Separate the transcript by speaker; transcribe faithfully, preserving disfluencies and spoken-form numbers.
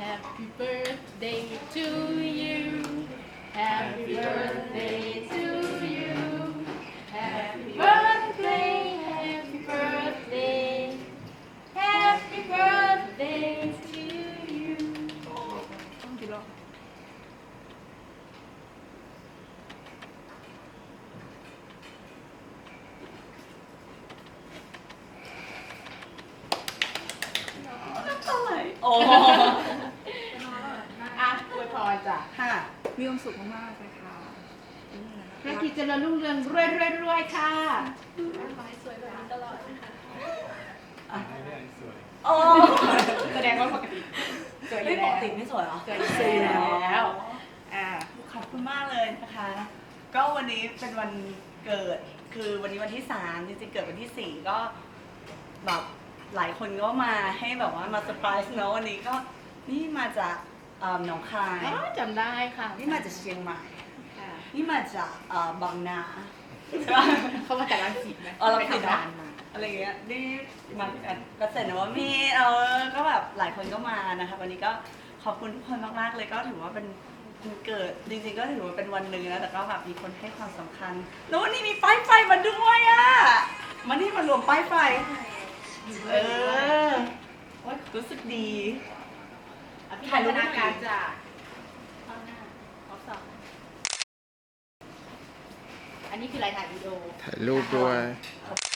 Speaker 1: Happy birthday to you Happy birthday to you Happy birthday Happy birthday Happy birthday to you ต้องกี่รอบ
Speaker 2: โอ้
Speaker 1: อ่ะอวยพรจ้ะ
Speaker 2: ค่ะ มีความสุขมากๆเลยค่ะ
Speaker 1: ธุรกิจเจริญรุ่งเรืองรวยรวยรวยค่ะ
Speaker 2: โอ้
Speaker 1: แสดงว่าปกติสวยอ
Speaker 2: ไม่
Speaker 1: ยู่
Speaker 2: ป
Speaker 1: แล้ว
Speaker 2: กติไม่สวยเหรอ
Speaker 1: สวยอยู่แล้ว
Speaker 2: อ่าขอบคุณมากเลยนะคะ ก็วันนี้เป็นวันเกิด คือวันนี้วันที่สามจริงๆเกิดวันที่สี่ก็แบบหลายคนก็มาให้แบบว่ามาเซอร์ไพรส์เนอะวันนี้ก็นี่มาจากเอ่อหนองคาย
Speaker 1: อ๋อจำได้ค่ะ
Speaker 2: นี่มาจากเชียงใหม่
Speaker 1: ค่ะ
Speaker 2: นี่มาจากเอ่อบางนา
Speaker 1: เขามาจากรังสิตไหม
Speaker 2: เออเรา
Speaker 1: ไป
Speaker 2: ผิด
Speaker 1: ทำ
Speaker 2: นะ
Speaker 1: งานมา
Speaker 2: อะไรเงี้ยนี่มาเกษตรนวมินทร์เออก็แบบหลายคนก็มานะคะวันนี้ก็ขอบคุณทุกคนมากๆเลยก็ถือว่าเป็นวันเกิดจริงๆก็ถือว่าเป็นวันหนึ่งนะแต่ก็แบบมีคนให้ความสำคัญแล้ววันนี้มีป้ายไฟมาด้วยอ่ะมันนี่มารวมป้ายไฟเออโอ๊ยรู้สึกดี
Speaker 1: ถ่ายรูปนาการจ้ะเอาหน้าเอาสองอันนี้คือรายถ่ายวิดีโอ
Speaker 3: ถ่ายรูปด้วย
Speaker 2: ขอบ